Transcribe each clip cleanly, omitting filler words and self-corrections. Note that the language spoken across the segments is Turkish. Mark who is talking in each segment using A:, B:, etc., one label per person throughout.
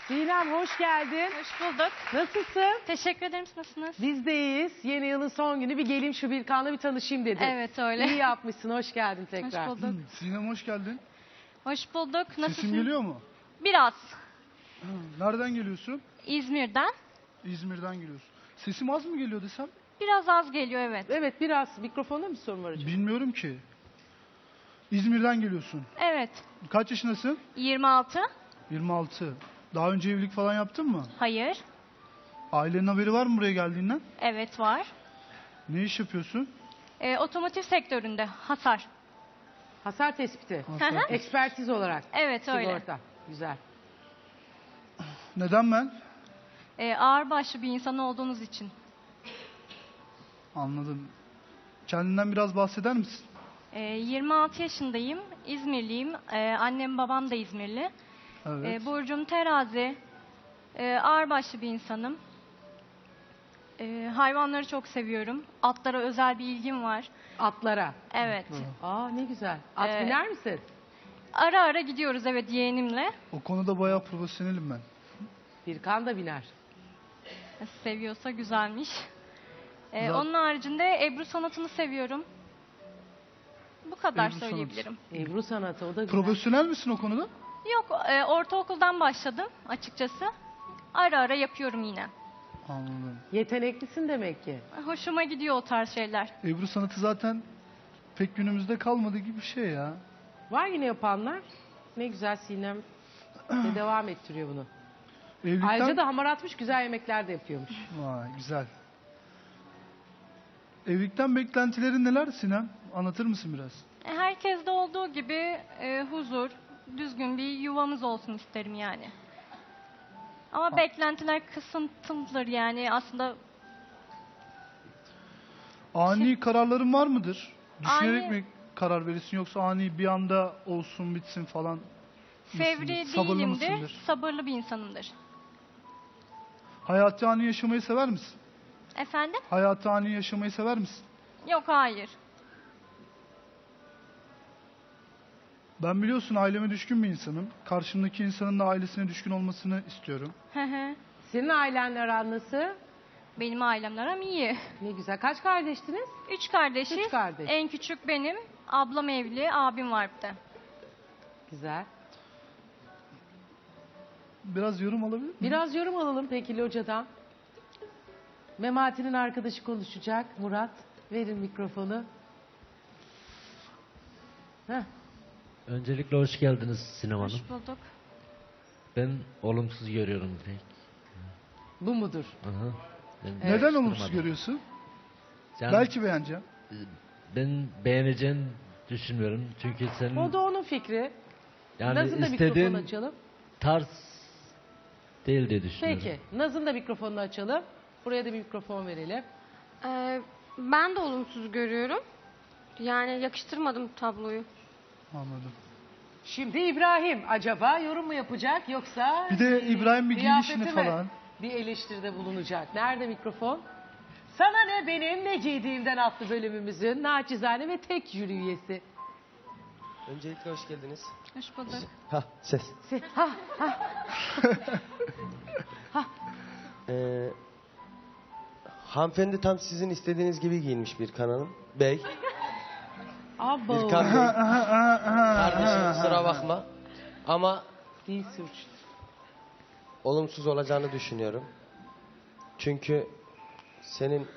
A: Sinem hoş geldin.
B: Hoş bulduk.
A: Nasılsın?
B: Teşekkür ederim. Siz nasılsınız?
A: Biz de iyiyiz. Yeni yılın son günü bir geleyim şu Birkan'la bir tanışayım dedi.
B: Evet öyle.
A: İyi yapmışsın. Hoş geldin tekrar.
B: Hoş bulduk.
C: Sinem hoş geldin.
B: Hoş bulduk. Nasılsın?
C: Sesim geliyor mu?
B: Biraz.
C: Nereden geliyorsun?
B: İzmir'den.
C: İzmir'den geliyorsun. Sesim az mı geliyor desem?
B: Biraz az geliyor evet.
A: Evet biraz mikrofonda mı sorun var acaba?
C: Bilmiyorum ki. İzmir'den geliyorsun.
B: Evet.
C: Kaç yaşındasın?
B: 26.
C: 26. Daha önce evlilik falan yaptın mı?
B: Hayır.
C: Ailenin haberi var mı buraya geldiğinden?
B: Evet var.
C: Ne iş yapıyorsun?
B: Otomotiv sektöründe hasar.
A: Hasar tespiti.
C: Hasar.
A: Ekspertiz olarak.
B: Evet öyle.
A: Sigorta. Güzel.
C: Neden ben?
B: Ağırbaşlı bir insan olduğunuz için.
C: Anladım. Kendinden biraz bahseder misin?
B: 26 yaşındayım. İzmirliyim. Annem babam da İzmirli.
C: Evet.
B: Burcum terazi. Ağırbaşlı bir insanım. Hayvanları çok seviyorum. Atlara özel bir ilgim var.
A: Atlara.
B: Evet.
A: Aa ne güzel. At
B: Evet.
A: biner misin?
B: Ara ara gidiyoruz evet yeğenimle.
C: O konuda bayağı profesyonelim ben.
A: Birkan da biner.
B: Seviyorsa güzelmiş.
C: Güzel.
B: Onun haricinde Ebru sanatını seviyorum. Bu kadar
C: Ebru sanatı.
B: söyleyebilirim.
A: Ebru sanatı o da güzel.
C: Profesyonel misin o konuda?
B: Yok ortaokuldan başladım açıkçası. Ara ara yapıyorum yine.
C: Anladım.
A: Yeteneklisin demek ki.
B: Hoşuma gidiyor o tarz şeyler.
C: Ebru sanatı zaten pek günümüzde kalmadı gibi bir şey ya.
A: Var yine yapanlar. Ne güzel Sinem de devam ettiriyor bunu.
C: Evlilikten...
A: Ayrıca da hamar atmış güzel yemekler de yapıyormuş.
C: Vay güzel. Evlilikten beklentilerin neler Sinem? Anlatır mısın biraz?
B: Herkeste olduğu gibi huzur, düzgün bir yuvamız olsun isterim yani. Ama beklentiler kısıtlıdır yani aslında.
C: Ani kararların var mıdır? Düşünerek
B: Ani-
C: mi karar verirsin yoksa ani bir anda olsun bitsin falan
B: Fevri
C: mısındır? Sabırlı
B: değilimdir,
C: mısındır?
B: sabırlı bir insanımdır.
C: Hayatı ani yaşamayı sever misin?
B: Efendim?
C: Hayatı ani yaşamayı sever misin?
B: Yok hayır.
C: Ben biliyorsun aileme düşkün bir insanım. Karşımdaki insanın da ailesine düşkün olmasını istiyorum.
B: Hı hı.
A: Senin ailenle aran nasıl?
B: Benim ailemle aram iyi.
A: Ne güzel. Kaç kardeştiniz?
B: 3 kardeşiz.
A: Üç kardeş.
B: En küçük benim. Ablam evli, abim var bir de.
A: Güzel.
C: Biraz yorum alabilir miyim?
A: Biraz yorum alalım peki Loca'dan. Memati'nin arkadaşı konuşacak. Murat, verin mikrofonu. Heh.
D: Öncelikle hoş geldiniz Sinem Hanım.
B: Hoş bulduk.
D: Ben olumsuz görüyorum direkt.
A: Bu mudur?
D: Aha. Ben
C: Neden
D: yakıştırmadım.
C: olumsuz görüyorsun?
D: Yani,
C: Belki beğeneceğim.
D: ben beğeneceğini düşünmüyorum. Çünkü senin
A: O da onun fikri.
D: yani
A: Naz'ın da mikrofonu
D: istediğin
A: açalım.
D: tarz değil diye düşünüyorum.
A: Peki. Naz'ın da mikrofonunu açalım. Buraya da bir mikrofon verelim.
E: Ben de olumsuz görüyorum. Yani yakıştırmadım tabloyu.
C: Anladım.
A: Şimdi İbrahim acaba yorum mu yapacak yoksa...
C: Bir de İbrahim bir
A: kıyafeti
C: giyinişini
A: mi
C: falan.
A: bir eleştiride bulunacak. Nerede mikrofon? Sana ne benim ne giydiğimden adlı bölümümüzün naçizane ve tek jüri üyesi.
F: Öncelikle hoş geldiniz.
B: Hoş bulduk.
F: Ha ses.
A: Ha,
F: Hanımefendi tam sizin istediğiniz gibi giyinmiş bir kanalım. Bey.
A: abo.
F: Birkan Bey. Kardeşim kusura bakma. Ama
A: Değil suç.
F: olumsuz olacağını düşünüyorum. Çünkü senin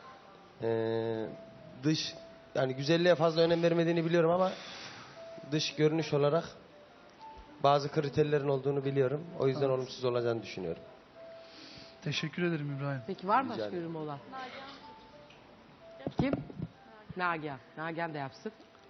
F: dış yani güzelliğe fazla önem vermediğini biliyorum ama dış görünüş olarak bazı kriterlerin olduğunu biliyorum. O yüzden olumsuz olacağını düşünüyorum.
C: Teşekkür ederim İbrahim.
A: Peki var mı
F: Rica
A: başka
F: ederim.
A: yorum olan? Kim? Nagihan. Nagihan da yapsın.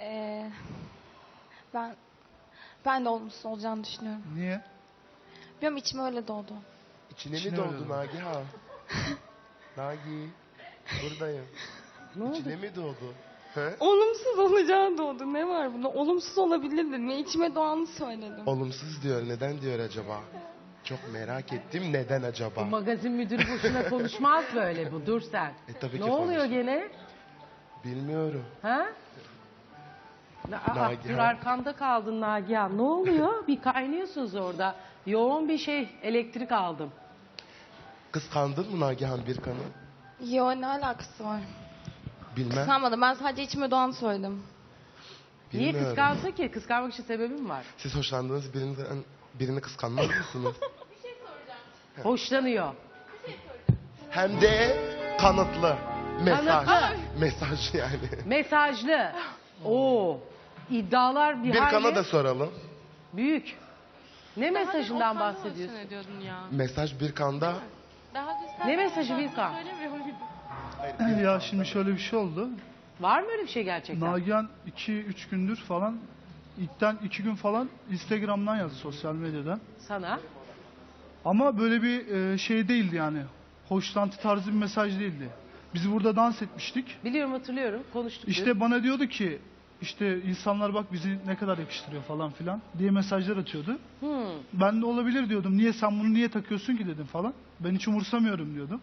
G: Ben de olumsuz olacağını düşünüyorum.
C: Niye?
G: Bilmiyorum içime öyle doğdu.
H: İçine
C: İçine
H: mi
C: öyle
H: doğdu
C: doğdu.
H: Nagihan? Nagi, buradayım.
A: Ne oldu?
H: İçine mi doğdu? He?
G: Olumsuz olacağı doğdu. Ne var bunda? Olumsuz olabilir dedim. Ve içime doğanı söyledim.
H: Olumsuz diyor. Neden diyor acaba? Çok merak ettim. Neden
A: Bu
H: acaba?
A: magazin müdürü boşuna konuşmaz böyle bu. Dur sen.
H: Tabii
A: Ne
H: ki
A: oluyor
H: konuşur.
A: gene?
H: Bilmiyorum.
A: Ha?
H: Nagihan.
A: Dur arkanda kaldın Nagihan. Ne oluyor? Bir kaynıyorsunuz orada. Yoğun bir elektrik aldım.
H: Kıskandın mı Nagihan Birkan'ı?
G: Yo, ne alakası var?
H: Bilmem.
G: Kıskanmadım. Ben sadece içime doğan söyledim.
A: Niye
H: Bilmiyorum.
A: kıskansın ki? Kıskanmak için sebebim var.
H: Siz hoşlandığınız birini kıskanmaz mısınız?
A: Hoşlanıyor.
H: Hem de kanıtlı. Mesaj.
A: Kanıtlı.
H: Mesaj yani.
A: Mesajlı. Oo. İddialar bir
H: Birkan'a
A: hayli
H: da soralım.
A: büyük. Ne mesajından bahsediyorsun?
H: Mesaj Birkan'da.
A: Ne mesajı Birkan?
C: Ya şimdi şöyle bir şey oldu.
A: Var mı öyle bir şey gerçekten?
C: Nagihan 2-3 gündür falan, ilkten 2 gün falan Instagram'dan yazdı, sosyal medyadan.
A: Sana.
C: Ama böyle bir şey değildi yani. Hoşlantı tarzı bir mesaj değildi. Biz burada dans etmiştik.
A: Biliyorum, hatırlıyorum. Konuştuk.
C: İşte bana diyordu ki işte insanlar bak bizi ne kadar yakıştırıyor falan filan diye mesajlar atıyordu. Ben de olabilir diyordum. Niye sen bunu niye takıyorsun ki dedim falan. Ben hiç umursamıyorum diyordum.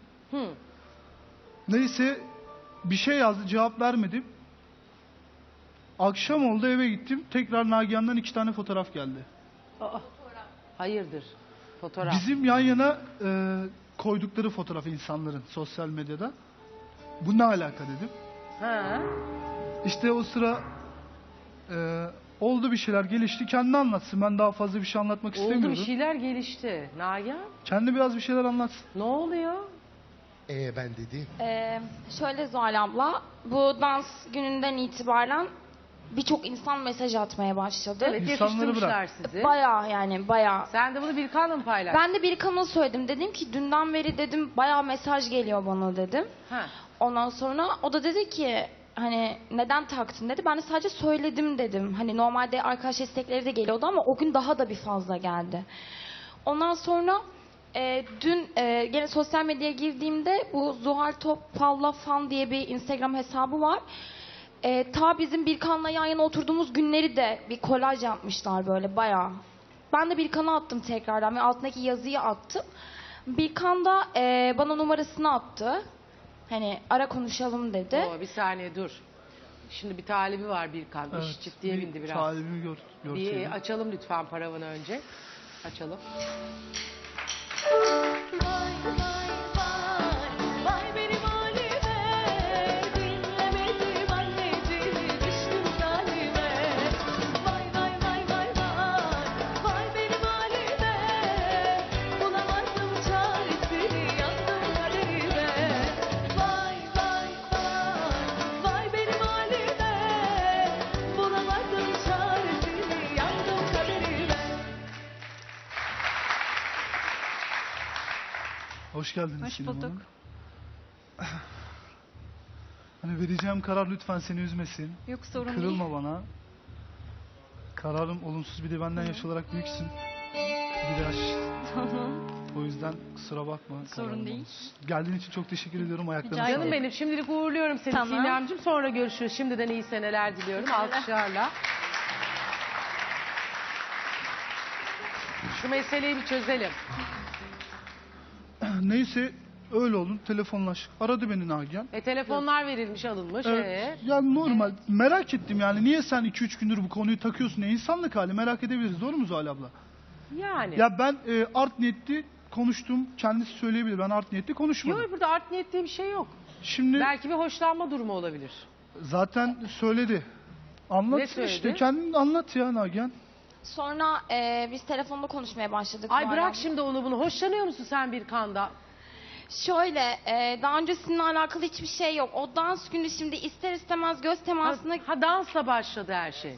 C: Neyse bir şey yazdı, cevap vermedim. Akşam oldu, eve gittim. Tekrar Nagihan'dan 2 tane fotoğraf geldi.
A: Aa, hayırdır? Fotoğraf.
C: Bizim yan yana koydukları fotoğraf insanların sosyal medyada. Bu ne alaka dedim.
A: Ha.
C: İşte o sıra oldu bir şeyler, gelişti. Kendi anlatsın. Ben daha fazla bir şey anlatmak
A: Oldu,
C: istemiyorum.
A: bir şeyler gelişti. Nagihan,
C: Kendi biraz bir şeyler anlatsın.
A: ne oluyor?
H: Ben dedim.
G: Şöyle Zuhal abla, bu dans gününden itibaren birçok insan mesaj atmaya başladı.
A: Evet,
C: İnsanları
A: yakıştırmışlar sizi.
G: Bayağı yani bayağı.
A: Sen de bunu Birkan'la mı paylaştın?
G: Ben de bir kanal söyledim. Dedim ki dünden beri dedim bayağı mesaj geliyor bana dedim.
A: Ha.
G: Ondan sonra o da dedi ki hani neden taktın dedi. Ben de sadece söyledim dedim. Hani normalde arkadaş istekleri de geliyordu ama o gün daha da bir fazla geldi. Ondan sonra dün gene sosyal medyaya girdiğimde bu Zuhal Topal'la fan diye bir Instagram hesabı var. Ta bizim Birkan'la yan yana oturduğumuz günleri de bir kolaj yapmışlar böyle bayağı. Ben de Birkan'a attım tekrardan ve altındaki yazıyı attım. Birkan da bana numarasını attı. Hani ara konuşalım dedi.
A: Oo, bir saniye dur. Şimdi bir talibi var Birkan. İş ciddiye
C: bir
A: bindi biraz.
C: talibimi
A: Bir
C: görseydim.
A: açalım lütfen paravanı önce. Açalım.
I: Vay benim halime, dinlemedim anneciğimi, düştüm zalime. Vay vay vay vay vay, vay benim halime, bulamazdım çaresini, yandım kaderime. Vay vay vay, vay benim halime, bulamazdım çaresini, yandım kaderime.
C: Hoş geldiniz
B: Hoş
C: Sinem
B: bulduk.
C: Hanım. Hani vereceğim karar lütfen seni üzmesin.
B: Yok, sorun değil.
C: Kırılma bana. Kararım olumsuz, bir de benden yaş olarak büyüksün. Bir yaş.
B: Tamam.
C: O yüzden kusura bakma.
B: Sorun
C: kararım
B: değil.
C: olumsuz. Geldiğin için çok teşekkür ediyorum. Ayaklarına
B: Rica
C: sağlık.
A: Canım benim, şimdilik uğurluyorum seni
B: Tamam.
A: Sinem'cim. Sonra görüşürüz. Şimdiden iyi seneler diliyorum. Alkışlarla. Şu meseleyi bir çözelim.
C: Neyse öyle oldu. Telefonlaştık. Aradı beni Nagihan.
A: Telefonlar verilmiş, alınmış.
C: Evet. Yani normal. Merak ettim yani. Niye sen 2-3 gündür bu konuyu takıyorsun? İnsanlık hali, merak edebiliriz. Doğru mu Zuhal abla?
A: Yani.
C: Ya ben art niyetli konuştum. Kendisi söyleyebilir. Ben art niyetli konuşmadım.
A: Yok, burada art niyet diye bir şey yok.
C: Şimdi
A: Belki bir hoşlanma durumu olabilir.
C: zaten söyledi. Anlat
A: Ne söyledi?
C: işte. Kendin anlat ya Nagihan.
G: Sonra biz telefonda konuşmaya başladık.
A: Ay
G: Zuhal
A: bırak
G: abla.
A: şimdi onu bunu. Hoşlanıyor musun sen Birkan'da?
G: Şöyle daha öncesininle alakalı hiçbir şey yok. O dans günü şimdi ister istemez göz temasına
A: Dansla başladı her şey.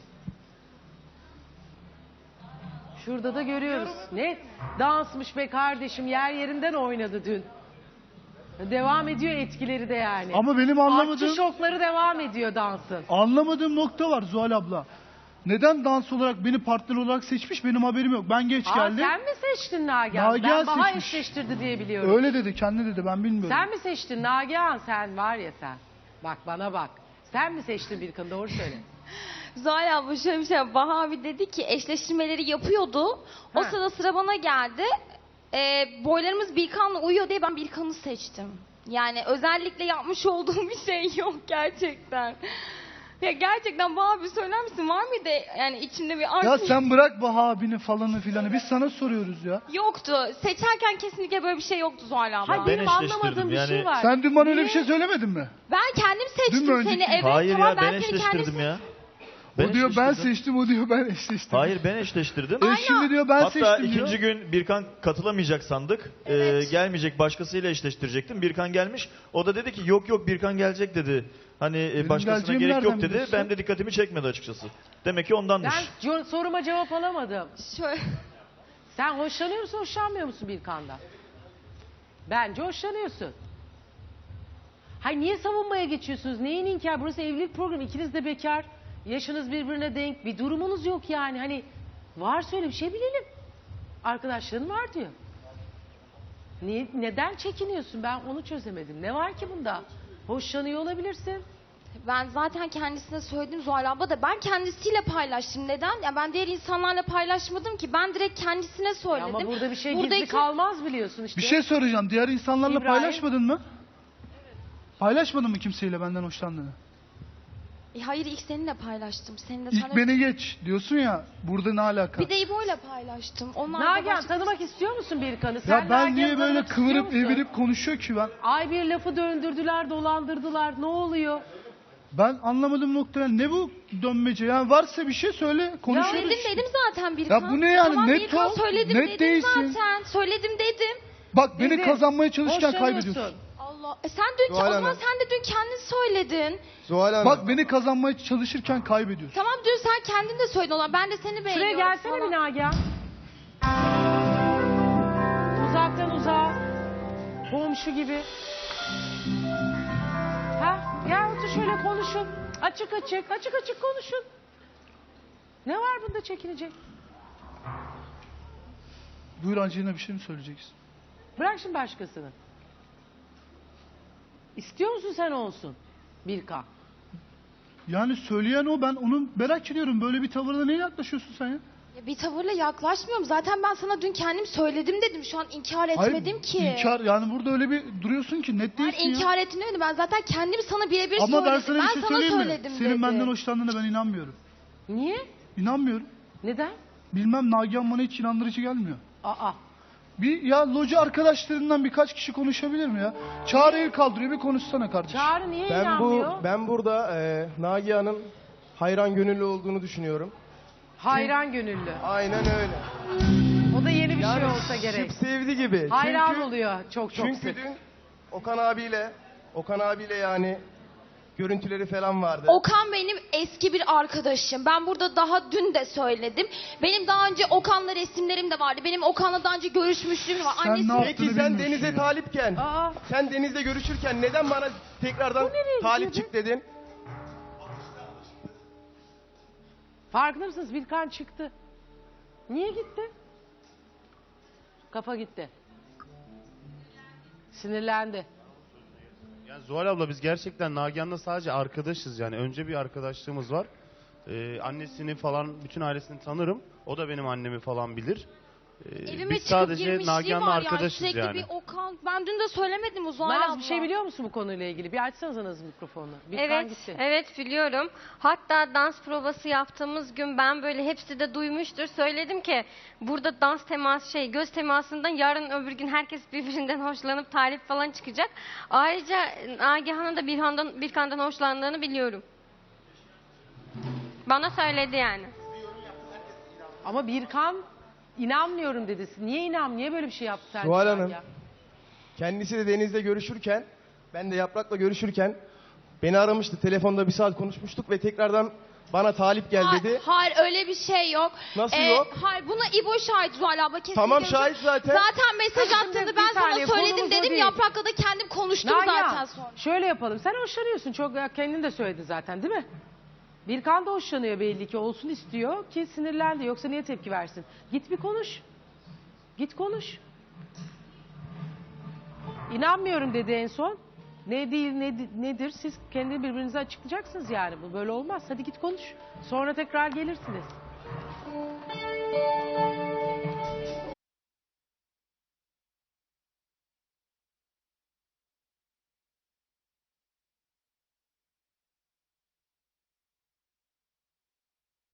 A: Şurada da görüyoruz. Ne dansmış be kardeşim. Yer yerinden oynadı dün. Devam ediyor etkileri de yani.
C: Ama benim anlamadığım
A: Artçı şokları devam ediyor dansın.
C: nokta var Zuhal abla. Neden dans olarak beni partner olarak seçmiş, benim haberim yok. Ben geç geldim.
A: Sen mi seçtin Nagihan?
C: Nagihan
A: Ben Baha
C: seçmiş.
A: eşleştirdi diye biliyorum.
C: Öyle dedi, kendi dedi, ben bilmiyorum.
A: Sen mi seçtin Nagihan? Sen var ya sen. Bak bana bak. Sen mi seçtin Birkan'ı? Doğru söyle.
G: Zuhal abla şöyle bir şey. Baha abi dedi ki eşleştirmeleri yapıyordu. O
A: Ha.
G: sırada sıra bana geldi. Boylarımız Birkan'la uyuyor diye ben Birkan'ı seçtim. Yani özellikle yapmış olduğum bir şey yok gerçekten. Ya gerçekten Baha abi söyler misin? Var mıydı yani içinde bir arzu?
C: Ya sen bırak Baha abini falanı filanı. Biz sana soruyoruz ya.
G: Yoktu. Seçerken kesinlikle böyle bir şey yoktu Zuhal abla.
A: Hayır, benim anlamadığım bir şey var.
C: Sen dün bana öyle bir
A: Niye?
C: şey söylemedin mi?
G: Ben kendim
C: Dün mü
G: seçtim
C: önceki
G: seni.
C: gün?
G: Evet
J: Hayır
G: tamam
J: ya ben
G: seni
J: eşleştirdim
G: kendim
J: ya.
C: O diyor ben
J: eşleştirdim.
C: seçtim, o diyor ben eşleştim.
J: Hayır ben eşleştirdim.
C: Şimdi diyor ben
J: Hatta
C: seçtim diyor.
J: ikinci gün Birkan katılamayacak sandık.
G: Evet.
J: Gelmeyecek, başkasıyla eşleştirecektim. Birkan gelmiş. O da dedi ki yok Birkan gelecek dedi. Hani başkasına
C: geleceğimi
J: gerek yok
C: nereden
J: dedi.
C: biliyorsun?
J: Benim de dikkatimi çekmedi açıkçası. Demek ki ondanmış.
A: Ben soruma cevap alamadım.
G: Şöyle.
A: Sen hoşlanıyor musun, hoşlanmıyor musun Birkan'dan? Bence hoşlanıyorsun. Hayır, niye savunmaya geçiyorsunuz? Neyin inkar? Burası evlilik programı. İkiniz de bekar. Yaşınız birbirine denk. Bir durumunuz yok yani. Hani var söyle bir şey bilelim. Arkadaşların var diyor. Neden çekiniyorsun? Ben onu çözemedim. Ne var ki bunda? Hoşlanıyor olabilirsin.
G: Ben zaten kendisine söyledim Zuhal abla da ben kendisiyle paylaştım. Neden? Ya ben diğer insanlarla paylaşmadım ki. Ben direkt kendisine
A: Ya
G: söyledim.
A: ama burada bir şey
G: Buradaki-
A: gizli kalmaz biliyorsun işte.
C: Bir şey soracağım. Diğer insanlarla
A: İbrahim.
C: paylaşmadın mı? Paylaşmadın mı kimseyle benden hoşlandığını?
G: Hayır ilk seninle paylaştım. Seninle
C: İlk
G: sana...
C: beni geç diyorsun ya. Burada ne alaka?
G: Bir de İbo'yla paylaştım. Onlar da
A: Nagihan
G: başka-
A: tanımak istiyor musun Birkan'ı? Sen
C: Ya ben
A: Nagihan'ı
C: niye böyle
A: tanımak istiyor
C: kıvırıp
A: musun?
C: evirip konuşuyor ki ben?
A: Ay bir lafı döndürdüler, dolandırdılar. Ne oluyor?
C: Ben anlamadım noktaya. Ne bu dönmece? Yani varsa bir şey söyle. Konuşuyoruz.
G: Söyledim dedim zaten Birkan.
C: Ya bu ne yani?
G: Tamam
C: Net
G: Birkan
C: ol,
G: söyledim
C: net
G: dedim
C: değilsin.
G: zaten. Söyledim dedim.
C: Bak beni
A: Dedim,
C: kazanmaya çalışırken
A: hoşlanıyorsun.
C: kaybediyorsun.
G: Allah. Sen dün
F: Zuhal
G: o zaman
F: Hanım.
G: sen de dün kendin söyledin.
F: Zuhal Hanım.
C: Bak beni kazanmaya çalışırken kaybediyorsun.
G: Tamam dün sen kendin de söyledin olan. Ben de seni
A: Şuraya
G: beğeniyorum
A: gelsene
G: falan.
A: bir Nagihan. Uzaktan uzağa. Komşu gibi. Ha? Gel otur şöyle konuşun. Açık açık konuşun. Ne var bunda çekinecek?
C: Buyur Angelina, bir şey mi söyleyeceksin?
A: Bırak şimdi başkasını. İstiyor musun sen olsun? Birkan.
C: Yani söyleyen o, ben onu merak ediyorum. Böyle bir tavırla neye yaklaşıyorsun sen ya?
G: Ya bir tavırla yaklaşmıyorum. Zaten ben sana dün kendim söyledim dedim. Şu an inkar etmedim ki.
C: İnkar, yani burada öyle bir duruyorsun ki net
G: Ben
C: değilsin ya.
G: inkar ettim demedim. Ben zaten kendim sana birebir
C: Ama
G: söyledim.
C: ben sana bir şey söyleyeyim mi?
G: söyledim
C: Senin
G: dedim.
C: benden hoşlandığına ben inanmıyorum.
A: Niye?
C: İnanmıyorum.
A: Neden?
C: Bilmem, Nagihan bana hiç inandırıcı gelmiyor.
A: Aa.
C: Bir ya loca arkadaşlarından birkaç kişi konuşabilir mi ya? Çağrı el kaldırıyor, bir konuşsana kardeşim.
A: Çağrı niye inanmıyor?
F: Ben burada Nagihan'ın hayran gönüllü olduğunu düşünüyorum.
A: Hayran gönüllü.
F: Aynen öyle.
A: O da yeni bir
F: Yani
A: şey olsa gerek.
F: şıp sevdi gibi.
A: Hayran
F: Çünkü-
A: oluyor çok
F: Çünkü
A: sık.
F: dün Okan abiyle yani görüntüleri falan vardı.
G: Okan benim eski bir arkadaşım. Ben burada daha dün de söyledim. Benim daha önce Okan'la resimlerim de vardı. Benim Okan'la daha önce görüşmüşlüğüm var.
C: Sen
G: Annesi
C: ne yaptın?
F: Peki
C: Yaptığını
F: sen
C: bilmiyorsun
F: Deniz'e
C: ya.
F: talipken,
A: Aa.
F: sen Deniz'le görüşürken neden bana tekrardan
A: nereye
F: talip
A: gidiyordu?
F: çık dedin?
A: Farkında mısınız? Birkan çıktı. Niye gitti? Kafa gitti. Sinirlendi.
K: Yani Zuhal abla biz gerçekten Nagihan'la sadece arkadaşız yani. Önce bir arkadaşlığımız var. Annesini falan, bütün ailesini tanırım. O da benim annemi falan bilir.
G: Evime
K: Biz
G: çıkıp
K: sadece
G: girmişliği
K: Nagihan'la
G: var
K: arkadaşız
G: Sürekli
K: yani.
G: bir Okan. Ben dün de söylemedim Zuhal abla.
A: Naz bir şey biliyor musun bu konuyla ilgili? Bir açsanıza Naz mikrofonunu. Birkan
E: Evet,
A: gitti.
E: evet biliyorum. Hatta dans provası yaptığımız gün ben böyle hepsi de duymuştur. Söyledim ki burada dans teması göz temasından yarın öbür gün herkes birbirinden hoşlanıp talip falan çıkacak. Ayrıca Nagihan'ın da Birkan'dan hoşlandığını biliyorum. Bana söyledi yani.
A: Ama Birkan inanmıyorum dedi. Niye Niye böyle bir şey yaptı sen?
F: Zuhal
A: şu an
F: Hanım.
A: ya?
F: Kendisi de Deniz'le görüşürken, ben de Yaprak'la görüşürken beni aramıştı. Telefonda bir saat konuşmuştuk ve tekrardan bana talip gel dedi.
G: Hayır öyle bir şey yok.
F: Nasıl yok?
G: Hayır buna İbo şahit Zuhal abla kesinlikle.
F: Tamam, şahit zaten.
G: Zaten mesaj
A: Hadi şimdi
G: attığını
A: bir
G: ben sana
A: saniye,
G: söyledim
A: konumuz o
G: dedim.
A: değil.
G: Yaprak'la da kendim konuştum
A: Nagihan,
G: zaten sonra.
A: şöyle yapalım. Sen hoşlanıyorsun. Çok kendin de söyledin zaten değil mi? Birkan da hoşlanıyor belli ki. Olsun istiyor ki sinirlendi. Yoksa niye tepki versin? Git bir konuş. Git konuş. İnanmıyorum dedi en son. Ne değil nedir siz kendi birbirinize açıklayacaksınız yani. Bu böyle olmaz. Hadi git konuş. Sonra tekrar gelirsiniz.